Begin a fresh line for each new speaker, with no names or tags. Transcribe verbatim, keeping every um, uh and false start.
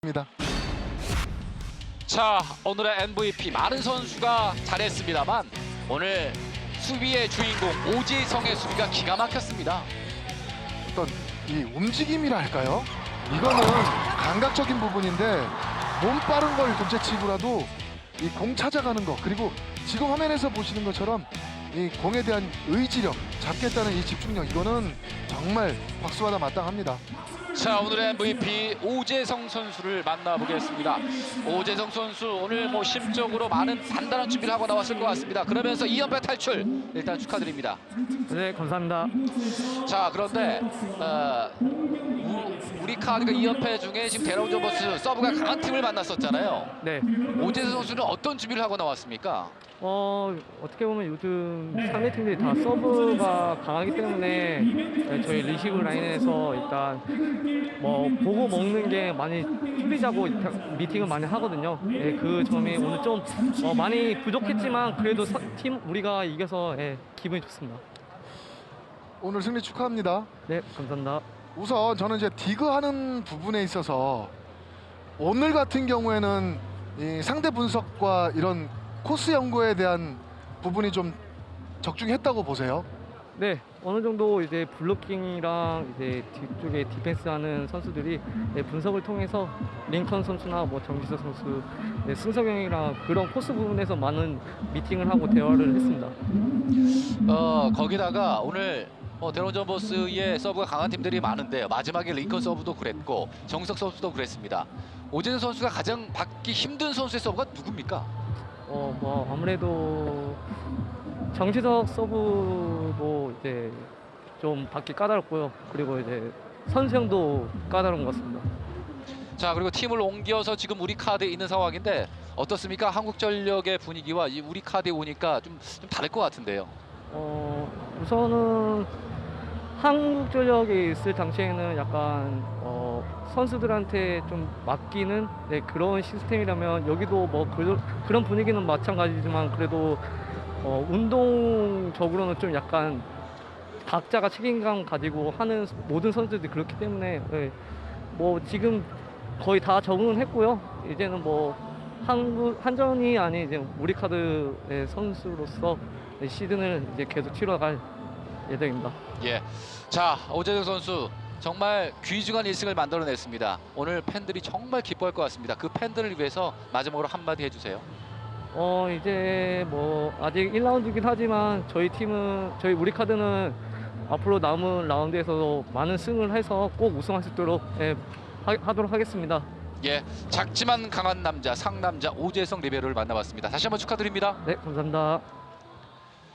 입니다.
자, 오늘의 엠브이피 많은 선수가 잘했습니다만 오늘 수비의 주인공 오지성의 수비가 기가 막혔습니다.
어떤 이 움직임이라 할까요? 이거는 감각적인 부분인데 몸 빠른 걸 둘째치고라도 이 공 찾아가는 거, 그리고 지금 화면에서 보시는 것처럼 이 공에 대한 의지력, 잡겠다는 이 집중력, 이거는 정말 박수받아 마땅합니다.
자, 오늘의 엠브이피 오재성 선수를 만나보겠습니다. 오재성 선수 오늘 뭐 심적으로 많은 단단한 준비를 하고 나왔을 것 같습니다. 그러면서 이 연패 탈출 일단 축하드립니다.
네, 감사합니다.
자, 그런데 어, 우, 우리 카드가 이 연패 중에 지금 대롱저버스 서브가 강한 팀을 만났었잖아요.
네,
오재성 선수는 어떤 준비를 하고 나왔습니까?
어 어떻게 보면 요즘 상대 팀들이 다 서브가 강하기 때문에 네, 저희 리시브 라인에서 일단 뭐 보고 먹는 게 많이 틀리자고 미팅을 많이 하거든요. 네, 그 점이 오늘 좀 어, 많이 부족했지만 그래도 서, 팀 우리가 이겨서 네, 기분이 좋습니다.
오늘 승리 축하합니다.
네, 감사합니다.
우선 저는 이제 디그하는 부분에 있어서 오늘 같은 경우에는 이 상대 분석과 이런 코스 연구에 대한 부분이 좀 적중했다고 보세요.
네, 어느 정도 이제 블로킹이랑 이제 뒤쪽에 디펜스하는 선수들이 네, 분석을 통해서 링컨 선수나 뭐 정지석 선수, 네, 승석형이랑 그런 코스 부분에서 많은 미팅을 하고 대화를 했습니다.
어, 거기다가 오늘 어, 대롱저버스의 서브가 강한 팀들이 많은데요. 마지막에 링컨 서브도 그랬고 정석 선수도 그랬습니다. 오재성 선수가 가장 받기 힘든 선수의 서브가 누굽니까?
어, 뭐 아무래도 정지석 서브도 이제 좀 받기 까다롭고요. 그리고 이제 선수형도 까다로운 것 같습니다.
자, 그리고 팀을 옮겨서 지금 우리 카드에 있는 상황인데 어떻습니까? 한국전력의 분위기와 이 우리 카드에 오니까 좀, 좀 다를 것 같은데요.
어, 우선은 한국전력에 있을 당시에는 약간 어, 선수들한테 좀 맡기는 네, 그런 시스템이라면 여기도 뭐 그, 그런 분위기는 마찬가지지만 그래도 어, 운동적으로는 좀 약간 각자가 책임감 가지고 하는 모든 선수들이 그렇기 때문에 네, 뭐 지금 거의 다 적응은 했고요. 이제는 뭐 한국 한전이 아닌 이제 우리 카드의 선수로서 네, 시즌을 이제 계속 치러갈 예정입니다.
예, 자, 오재성 선수 정말 귀중한 일 승을 만들어냈습니다. 오늘 팬들이 정말 기뻐할 것 같습니다. 그 팬들을 위해서 마지막으로 한마디 해주세요.
어 이제 뭐 아직 일 라운드이긴 하지만 저희 팀은 저희 우리 카드는 앞으로 남은 라운드에서도 많은 승을 해서 꼭 우승할 수 있도록 예, 하, 하도록 하겠습니다.
예, 작지만 강한 남자 상남자 오재성 리베로를 만나봤습니다. 다시 한번 축하드립니다.
네, 감사합니다.